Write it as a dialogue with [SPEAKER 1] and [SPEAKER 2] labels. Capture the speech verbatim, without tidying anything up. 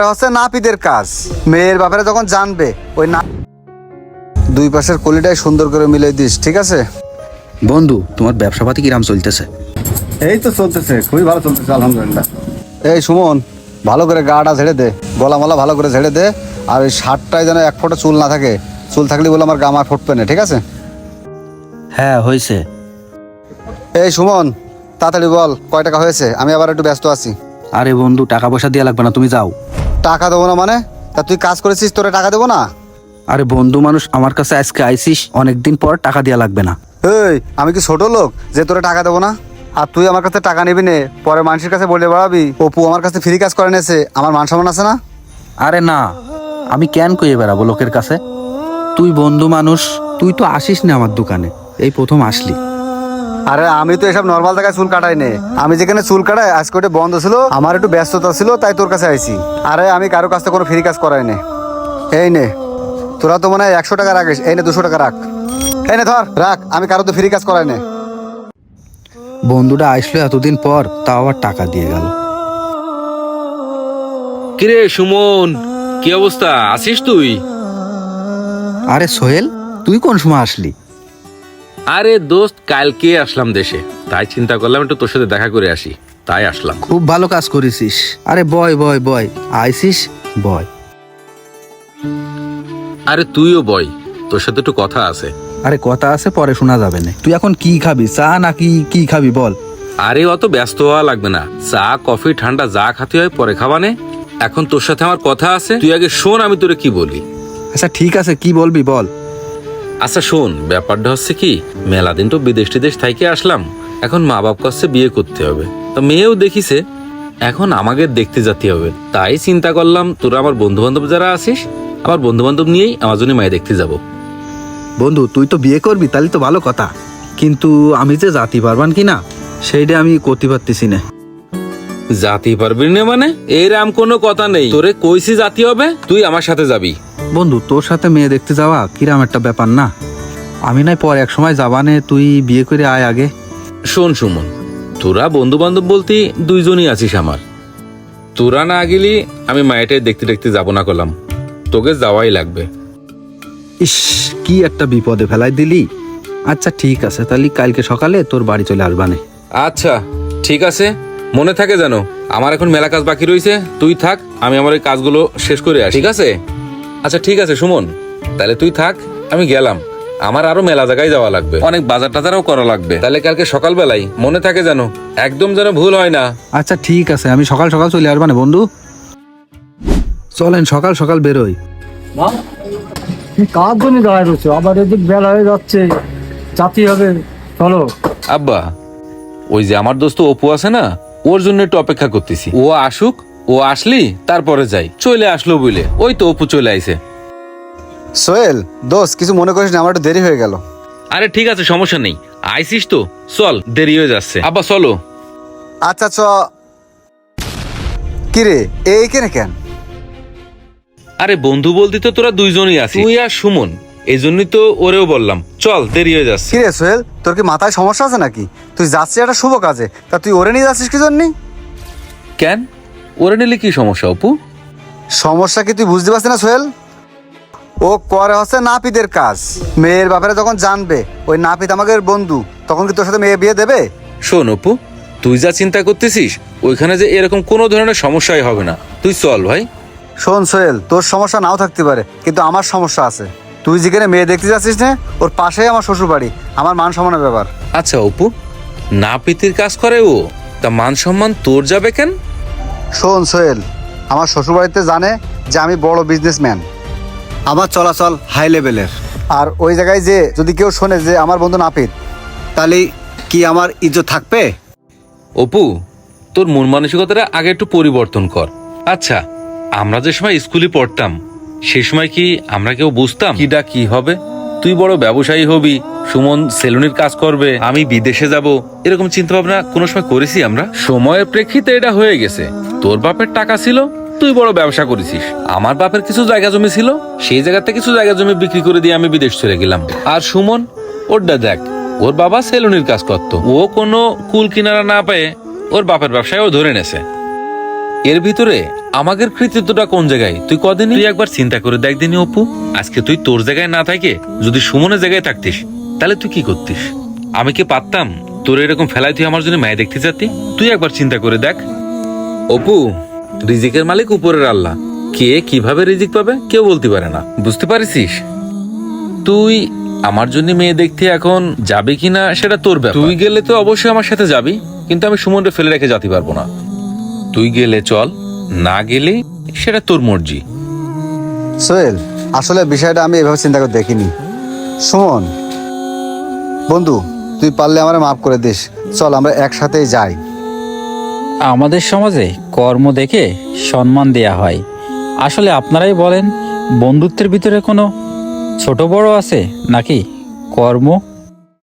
[SPEAKER 1] হচ্ছে নাপিতের কাজ। মেয়ের ব্যাপারে যখন জানবে ওই না দুই পাশের কলিটাই সুন্দর করে মিলে দিস, ঠিক আছে?
[SPEAKER 2] বন্ধু, তোমার ব্যবসাপাতি কিরাম চলতেছে?
[SPEAKER 1] এই তো চলতেছে, খুবই ভালো চলতেছে আলহামদুলিল্লাহ। এই সুমন, ভালো করে গাটা ঝেড়ে দে, গলা মালা ভালো করে ঝেড়ে দে, আর ওই শার্টটায় যেন এক ফোঁটা চুল না থাকে। চুল থাকলে বলে আমার গাম আর ফুটবে না, ঠিক আছে?
[SPEAKER 2] হ্যাঁ হয়েছে।
[SPEAKER 1] এই সুমন, তাড়াতাড়ি বল কয় টাকা হয়েছে, আমি আবার একটু ব্যস্ত আছি।
[SPEAKER 2] আরে বন্ধু, টাকা পয়সা দেওয়া লাগবে না, তুমি যাও।
[SPEAKER 1] টাকা দেবো না মানে? তা তুই কাজ করেছিস, তোরে টাকা দেবো না?
[SPEAKER 2] আরে বন্ধু মানুষ, আমার কাছে আজকে আইসিস, অনেকদিন পর টাকা দেওয়া লাগবে না।
[SPEAKER 1] এই আমি কি ছোট লোক যে তোরে টাকা দেবো না? আর তুই আমার কাছে টাকা নিবি নে, পরে মানুষের কাছে বলে বেড়াবি অপু আমার কাছে ফ্রি কাজ করে নিয়েছে, আমার মান সম্মান আছে না?
[SPEAKER 2] আরে না, আমি কেন কইয়ে বেড়াবো লোকের কাছে? তুই বন্ধু মানুষ, তুই তো আসিস না আমার দোকানে, এই প্রথম আসলি।
[SPEAKER 1] আরে আমি তো এসব নর্মাল জায়গায় চুল কাটাই নে, আমি যেখানে চুল কাটাই আজকে ওটা বন্ধ ছিল, আমার একটু ব্যস্ততা ছিল তাই তোর কাছে আইছি। আরে আমি কারো কাছ থেকে কোনো ফ্রি কাজ করাই নে। এই নে, তোরা তো মনে হয় একশো টাকা রাখিস, এই নে দুশো টাকা রাখ। এই নে ধর রাখ, আমি কারো তো ফ্রি কাজ করাই নে।
[SPEAKER 2] বন্ধুটা আসলো এতদিন পর, তাও আবার টাকা দিয়ে গেল।
[SPEAKER 3] কিরে সুমন, কি অবস্থা, আছিস তুই?
[SPEAKER 2] আরে সোহেল, তুই কোন সময় আসলি?
[SPEAKER 3] আরে দোস্ত, কালকে আসলাম দেশে, তাই চিন্তা করলাম একটু তোর সাথে দেখা করে আসি, তাই আসলাম।
[SPEAKER 2] খুব ভালো কাজ করেছিস। আরে বয় বয় বয়, আইসিস বয়।
[SPEAKER 3] আরে তুইও বয়, তোর সাথে একটু কথা আছে।
[SPEAKER 2] আরে কথা আছে, পরে শোনা যাবে না। তুই এখন কি খাবি, চা নাকি কি খাবি বল?
[SPEAKER 3] আরে অত ব্যস্ত হওয়া লাগবে না, চা কফি ঠান্ডা যা খাতে হয় পরে খাবানে। এখন তোর সাথে আমার কথা আছে, তুই আগে শোন আমি তোরে কি বলি।
[SPEAKER 2] আচ্ছা ঠিক আছে, কি বলবি বল।
[SPEAKER 3] আচ্ছা শোন, ব্যাপারটা হচ্ছে কি, মেলা দিন তো বিদেশ টিদেশ থাইকে আসলাম, এখন মা বাপ কাছে বিয়ে করতে হবে, তা মেয়েও দেখিছে, এখন আমাকে দেখতে যেতে হবে। তাই চিন্তা করলাম তোরা আমার বন্ধু বান্ধব যারা আছিস, আমার বন্ধু বান্ধব নিয়েই আমার জন্য মায়ে দেখতে যাব।
[SPEAKER 2] বন্ধু, তুই তো বিয়ে করবি, তাহলে তো ভালো কথা, কিন্তু আমি যে জাতি পারবান কিনা সেইটা আমি করতে পারতেছি না।
[SPEAKER 3] জাতি পারবি না মানে? এরম কোনো কথা নেই, তোরে কইছি জাতি হবে, তুই আমার সাথে যাবি।
[SPEAKER 2] বন্ধু, তোর সাথে মেয়ে দেখতে যাওয়া কিরাম একটা ব্যাপার না? আমি নাই পর এক সময় যাবানে, তুই বিয়ে করে আয় আগে।
[SPEAKER 3] শোন সুমন, তোরা বন্ধু বান্ধব বলতে দুইজনই আছিস আমার, তোরা না গেলি আমি মায়েটাই দেখতে দেখতে যাব না করলাম, তোকে যাওয়াই লাগবে।
[SPEAKER 2] ইস, কি একটা বিপদে ফেলাই দিলি। আচ্ছা ঠিক আছে, তাহলে কালকে সকালে তোর বাড়ি চলে আসবানে।
[SPEAKER 3] আচ্ছা ঠিক আছে, মনে থাকে জানো আমার এখন মেলা কাজ বাকি রয়েছে, তুই থাক, আমি আমার এই কাজগুলো শেষ করে আসি, ঠিক আছে? আচ্ছা ঠিক আছে সুমন, তাহলে তুই থাক, আমি গেলাম, আমার আরো মেলা জায়গায় যাওয়া লাগবে, অনেক বাজার টাজারও করা লাগবে, তাহলে কালকে সকালবেলায় মনে থাকে জানো, একদম যেন ভুল হয় না।
[SPEAKER 2] আচ্ছা ঠিক আছে, আমি সকাল সকাল চলে আসবানে বন্ধু। চলেন সকাল সকাল বেরোই।
[SPEAKER 4] কার জন্য দাঁড়ায় রয়েছে, আবার এদিক বেলা হয়ে যাচ্ছে, জাতি হবে, চলো।
[SPEAKER 3] আব্বা, ওই যে আমার দোস্ত অপু আছে না, ওর জন্য একটু অপেক্ষা করতেছি, ও আসুক, ও আসলি তারপরে যাই। চলে আসলো বলে ওই তো অপু চলে আইছে।
[SPEAKER 1] সোহেল দোস্ত, কিছু মনে করিস না, আমার একটু দেরি হয়ে গেল।
[SPEAKER 3] আরে ঠিক আছে, সমস্যা নেই, আইসিস তো, চল, দেরি হয়ে যাচ্ছে। আব্বা চলো।
[SPEAKER 1] আচ্ছা চ। কিরে এইখানে কেন?
[SPEAKER 3] আরে বন্ধু বলতে তো তোরা দুইজনই আছিস, তুই আর সুমন, এই জন্যই তো ওরেও বললাম চল, দেরি হয়ে যাচ্ছে।
[SPEAKER 1] কিরে সোহেল, তোর কি মাথায় সমস্যা আছে নাকি? তুই যাচ্ছিস একটা শুভ কাজে, তা তুই ওরে নিয়ে যাচ্ছিস কি জন্যে?
[SPEAKER 3] কেন, ওরে নিলে কি সমস্যা অপু?
[SPEAKER 1] সমস্যা কি তুই বুঝতে পারছিস না সোহেল? ও করে হচ্ছে নাপিতের কাজ। মেয়ের ব্যাপারে যখন জানবে ওই নাপিত আমাদের বন্ধু, তখন কি তোর সাথে মেয়ে বিয়ে দেবে?
[SPEAKER 3] শোন অপু, তুই যা চিন্তা করতেছিস ওইখানে যে এরকম কোনো ধরনের সমস্যাই হবে না, তুই চল ভাই।
[SPEAKER 1] শোন সোহেল, তোর সমস্যা নাও থাকতে পারে, কিন্তু আমার সমস্যা আছে। তুই যেখানে মেয়ে দেখতে যাচ্ছিস না, ওর পাশেই আমার শ্বশুর বাড়ি, আমার মান সম্মানের ব্যাপার।
[SPEAKER 3] আচ্ছা অপু, নাপিতের কাজ করে ও, তা মান সম্মান তোর যাবে কেন?
[SPEAKER 1] শোন সোহেল, আমার শ্বশুর বাড়িতে জানে যে আমি বড় বিজনেসম্যান, আমার চলাচল হাই লেভেলের, আর ওই জায়গায় যে যদি কেউ শোনে যে আমার বন্ধু নাপিত, তাহলে কি আমার ইজ্জত থাকবে?
[SPEAKER 3] অপু, তোর মন মানসিকতাটা আগে একটু পরিবর্তন কর। আচ্ছা, আমরা যে সময় স্কুলে পড়তাম সেই সময় কি আমরা কেউ বুঝতাম কিটা কি হবে? তুই বড় ব্যবসায়ী হবি, সুমন সেলুনের কাজ করবে, আমি বিদেশে যাব, এরকম চিন্তা ভাবনা কোনো সময় করেছি আমরা? সময়ের প্রেক্ষিতে এটা হয়ে গেছে। তোর বাপের টাকা ছিল, তুই বড় ব্যবসা করেছিস, আমার বাপের কিছু জায়গা জমি ছিল, সেই জায়গাতে কিছু জায়গা জমি বিক্রি করে দিয়ে আমি বিদেশ চলে গেলাম। আর সুমন, ওরটা দেখ, ওর বাবা সেলুনের কাজ করতো, ও কোনো কুল কিনারা না পেয়ে ওর বাপের ব্যবসায় ও ধরে নেছে। এর ভিতরে আমাদের কৃতিত্বটা কোন জায়গায় তুই কদিন তুই একবার চিন্তা করে দেখ দিনি অপু, আজকে তুই তোর জায়গায় না থাকে যদি সুমনের জায়গায় থাকতিস তাহলে তুই কি করতিস? আমি কি পারতাম তোর এরকম ফেলাই তুই আমার জন্য মেয়ে দেখতে যাতি? তুই একবার চিন্তা করে দেখ। অপু, রিজিকের মালিক উপরের আল্লাহ, কে কিভাবে রিজিক পাবে কেউ বলতে পারে না, বুঝতে পারিস? তুই আমার জন্য মেয়ে দেখতে এখন যাবি কিনা সেটা তোর ব্যাপার। তুই গেলে তো অবশ্যই আমার সাথে যাবি, কিন্তু আমি সুমনকে ফেলে রেখে যেতে পারবো না। তুই গেলে চল, না গেলে সেটা তোর মর্জি।
[SPEAKER 1] সোহেল, আসলে বিষয়টা আমি এভাবে চিন্তা করে দেখিনি। সুমন বন্ধু, তুই পারলে আমার মাফ করে দিস, চল আমরা একসাথেই যাই।
[SPEAKER 5] আমাদের সমাজে কর্ম দেখে সম্মান দেয়া হয়। আসলে আপনারাই বলেন, বন্ধুত্বের ভিতরে কোনো ছোট বড় আছে নাকি? কর্ম